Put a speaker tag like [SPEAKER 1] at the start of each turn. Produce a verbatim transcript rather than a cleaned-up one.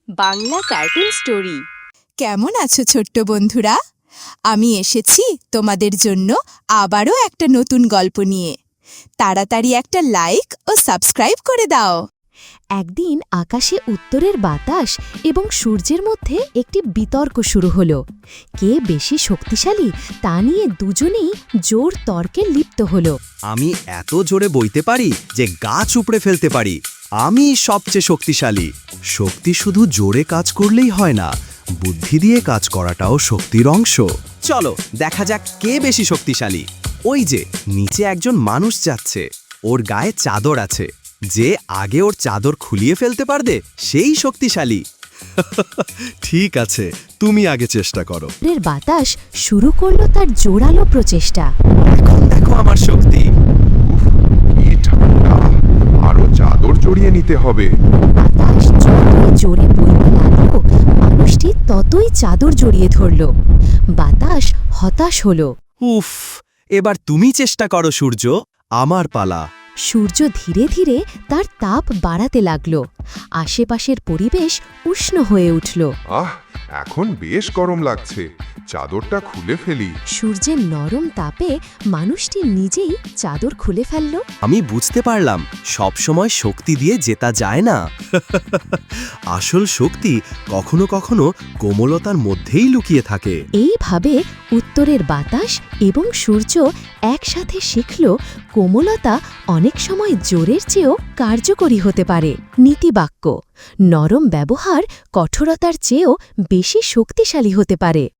[SPEAKER 1] Bangla cartoon story.
[SPEAKER 2] কেমন আছো ছোট্ট বন্ধুরা? আমি এসেছি তোমাদের জন্য আবারও একটা নতুন গল্প নিয়ে। তাড়াতাড়ি একটা লাইক ও সাবস্ক্রাইব করে দাও।
[SPEAKER 3] একদিন আকাশে উত্তরের বাতাস এবং সূর্যের মধ্যে একটি বিতর্ক শুরু হলো। কে বেশি শক্তিশালী তা নিয়ে দুজনেই জোর তর্কে লিপ্ত হলো।
[SPEAKER 4] আমি এত জোরে বইতে পারি যে গাছ উপড়ে ফেলতে পারি। আমি সবচেয়ে শক্তিশালী। শক্তি শুধু জোরে কাজ করলেই হয় না, বুদ্ধি দিয়ে কাজ করাটাও শক্তির অংশ। চলো দেখা যাক কে বেশি শক্তিশালী। ওই যে নিচে একজন মানুষ যাচ্ছে, ওর গায়ে চাদর আছে। যে আগে ওর চাদর খুলিয়ে ফেলতে পারবে সেই শক্তিশালী। ঠিক আছে, তুমি আগে চেষ্টা করো।
[SPEAKER 3] এর বাতাস শুরু করলো তার জোরালো প্রচেষ্টা।
[SPEAKER 4] এখন দেখো আমার শক্তি।
[SPEAKER 5] কি ঠান্ডা, আরো চাদর জড়িয়ে নিতে হবে।
[SPEAKER 3] বাতাস যতই জোরে বইতে লাগলো, মানুষটি ততই চাদর জড়িয়ে ধরল। বাতাস হতাশ হলো।
[SPEAKER 4] উফ, এবার তুমি চেষ্টা করো সূর্য, আমার পালা।
[SPEAKER 3] সূর্য ধীরে ধীরে তার তাপ বাড়াতে লাগল। আশেপাশের পরিবেশ উষ্ণ হয়ে উঠল।
[SPEAKER 5] আহ, এখন বেশ গরম লাগছে, চাদরটা খুলে ফেলি।
[SPEAKER 3] সূর্যের নরম তাপে মানুষটি নিজেই চাদর খুলে ফেলল।
[SPEAKER 4] আমি বুঝতে পারলাম সব সময় শক্তি দিয়ে জেতা যায় না। আসল শক্তি কখনো কখনো কোমলতার মধ্যেই লুকিয়ে থাকে।
[SPEAKER 3] এইভাবে উত্তরের বাতাস এবং সূর্য একসাথে শিখল কোমলতা অনেক সময় জোরের চেয়েও কার্যকরী হতে পারে। নীতিবাক্য: নরম ব্যবহার কঠোরতার চেয়েও বেশি শক্তিশালী হতে পারে।